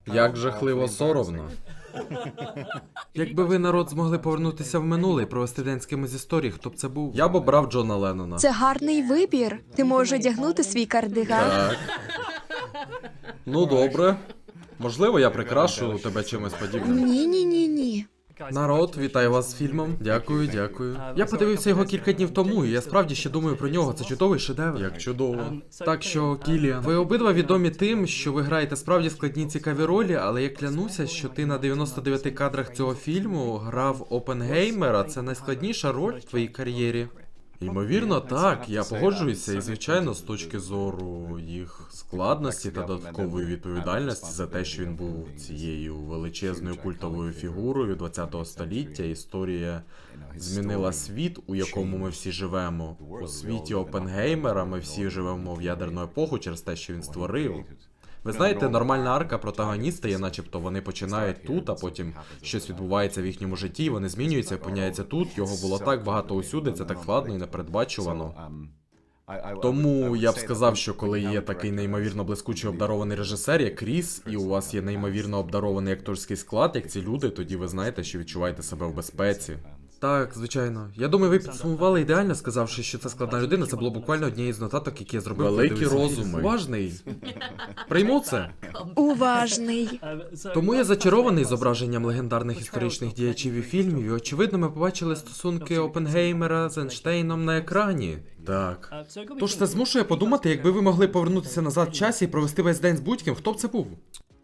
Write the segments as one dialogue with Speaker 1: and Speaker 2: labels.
Speaker 1: Як жахливо соромно. Якби ви, народ, змогли повернутися в минуле і провести день з кимось з історії, хто б це був? Я б обрав Джона Леннона.
Speaker 2: Це гарний вибір. Ти можеш одягнути свій кардиган.
Speaker 1: Так. Ну, добре. Можливо, я прикрашу тебе чимось подібним.
Speaker 2: Ні.
Speaker 1: Народ, вітаю вас з фільмом. Дякую, дякую. Я подивився його кілька днів тому, і я справді ще думаю про нього. Це чудовий шедевр. Як чудово. Так що, Кіліан, ви обидва відомі тим, що ви граєте справді складні цікаві ролі, але я клянуся, що ти на 99 кадрах цього фільму грав Опенгеймера. Це найскладніша роль в твоїй кар'єрі. Ймовірно, так, я погоджуюся, і звичайно, з точки зору їх складності та додаткової відповідальності за те, що він був цією величезною культовою фігурою 20-го століття, історія змінила світ, у якому ми всі живемо. У світі Опенгеймера ми всі живемо в ядерну епоху через те, що він створив. Ви знаєте, нормальна арка протагоніста є, начебто вони починають тут, а потім щось відбувається в їхньому житті, вони змінюються, опиняються тут, його було так багато усюди, це так складно і непередбачувано. Тому я б сказав, що коли є такий неймовірно блискучий обдарований режисер, як Кріс, і у вас є неймовірно обдарований акторський склад, як ці люди, тоді ви знаєте, що відчуваєте себе в безпеці. Так, звичайно. Я думаю, ви підсумували ідеально, сказавши, що це складна людина. Це було буквально однією з нотаток, які я зробив. Великі розуми. Уважний. Прийму це.
Speaker 2: Уважний.
Speaker 1: Тому я зачарований зображенням легендарних історичних діячів і фільмів, і очевидно ми побачили стосунки Опенгеймера з Ейнштейном на екрані. Так. Тож це змушує подумати, якби ви могли повернутися назад в часі і провести весь день з будь-ким, хто б це був?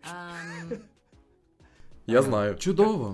Speaker 1: Я знаю. Чудово.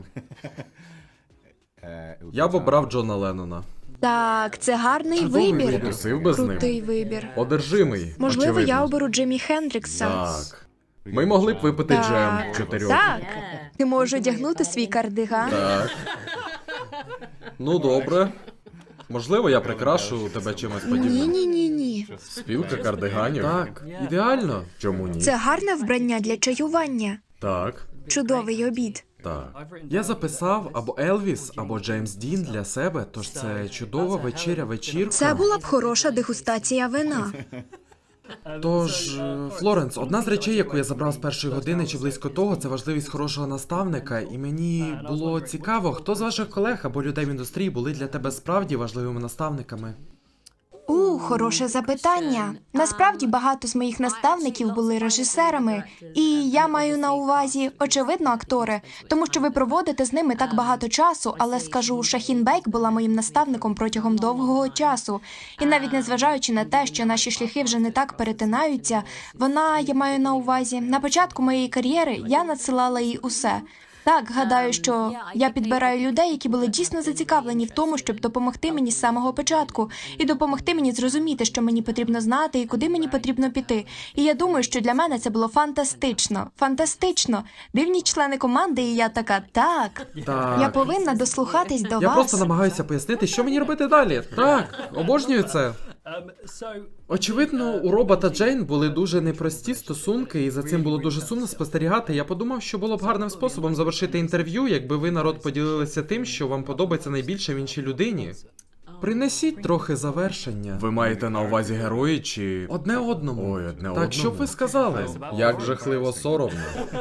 Speaker 1: Я б обрав Джона Леннона.
Speaker 2: Так, це гарний
Speaker 1: Чудовий
Speaker 2: вибір.
Speaker 1: Потусив би з ним.
Speaker 2: Крутий вибір.
Speaker 1: Одержимий.
Speaker 2: Можливо,
Speaker 1: очевидно.
Speaker 2: я оберу Джимі Хендрікса.
Speaker 1: Так. Ми могли б випити джем чотирьох.
Speaker 2: Так. Ти можеш одягнути свій кардиган.
Speaker 1: Так. Ну, добре. Можливо, я прикрашу тебе чимось подібним.
Speaker 2: Ні.
Speaker 1: Спілка кардиганів. Так, ідеально. Чому ні?
Speaker 2: Це гарне вбрання для чаювання.
Speaker 1: Так.
Speaker 2: Чудовий обід.
Speaker 1: Так. Я записав або Елвіс, або Джеймс Дін для себе, тож це чудова вечірка.
Speaker 2: Це була б хороша дегустація вина.
Speaker 1: Тож, Флоренс, одна з речей, яку я забрав з першої години чи близько того, це важливість хорошого наставника, і мені було цікаво, хто з ваших колег або людей в індустрії були для тебе справді важливими наставниками.
Speaker 2: Хороше запитання. Насправді багато з моїх наставників були режисерами, і я маю на увазі, очевидно, актори, тому що ви проводите з ними так багато часу, але скажу, Шахін Бейк була моїм наставником протягом довгого часу. І навіть незважаючи на те, що наші шляхи вже не так перетинаються, я маю на увазі, на початку моєї кар'єри я надсилала їй усе. Так, гадаю, що я підбираю людей, які були дійсно зацікавлені в тому, щоб допомогти мені з самого початку і допомогти мені зрозуміти, що мені потрібно знати і куди мені потрібно піти. І я думаю, що для мене це було фантастично. Фантастично. Дивні члени команди, і я така, так. Я повинна дослухатись до
Speaker 1: Я
Speaker 2: вас.
Speaker 1: просто намагаюся пояснити, що мені робити далі. Так, обожнюю це. Очевидно, у Роба та Джейн були дуже непрості стосунки, і за цим було дуже сумно спостерігати. Я подумав, що було б гарним способом завершити інтерв'ю, якби ви, народ, поділилися тим, що вам подобається найбільше в іншій людині. Принесіть трохи завершення. Ви маєте на увазі герої чи... Одне одному. Ой, одне одному. Так, що б ви сказали? Як жахливо соромно.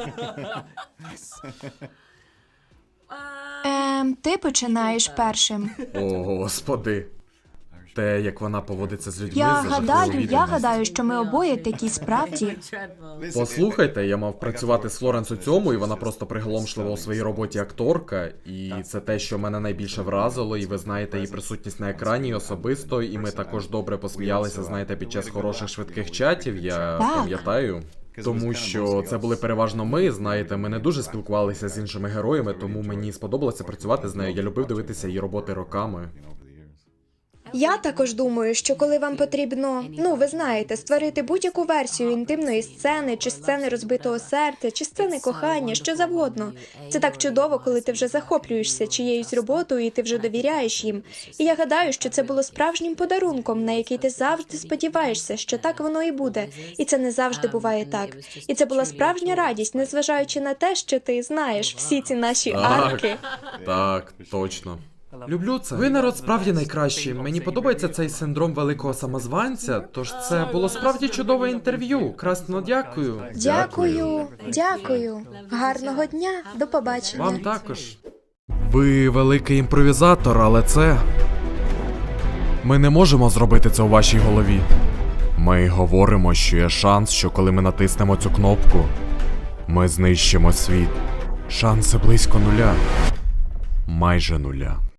Speaker 2: Ти починаєш першим.
Speaker 1: О, господи. Те, як вона поводиться з людьми, це жахливо
Speaker 2: Я
Speaker 1: відданість.
Speaker 2: гадаю, що ми обоє такі справді.
Speaker 1: Послухайте, я мав працювати з Флоренс у цьому, і вона просто приголомшлива у своїй роботі акторка. І це те, що мене найбільше вразило, і ви знаєте її присутність на екрані і особисто, і ми також добре посміялися, знаєте, під час хороших швидких чатів, я
Speaker 2: Так.
Speaker 1: пам'ятаю. Тому що це були переважно ми, знаєте, ми не дуже спілкувалися з іншими героями, тому мені сподобалося працювати з нею, я любив дивитися її роботи роками.
Speaker 2: Я також думаю, що коли вам потрібно, ви знаєте, створити будь-яку версію інтимної сцени, чи сцени розбитого серця, чи сцени кохання, що завгодно. Це так чудово, коли ти вже захоплюєшся чиєюсь роботою і ти вже довіряєш їм. І я гадаю, що це було справжнім подарунком, на який ти завжди сподіваєшся, що так воно і буде. І це не завжди буває так. І це була справжня радість, незважаючи на те, що ти знаєш всі ці наші арки.
Speaker 1: Так, точно. Люблю це. Ви народ справді найкращий. Мені подобається цей синдром великого самозванця, тож це було справді чудове інтерв'ю. Красно дякую.
Speaker 2: Дякую. Гарного дня. До побачення.
Speaker 1: Вам також. Ви великий імпровізатор, але це. Ми не можемо зробити це у вашій голові. Ми говоримо, що є шанс, що коли ми натиснемо цю кнопку, ми знищимо світ. Шанси близько нуля. Майже нуля.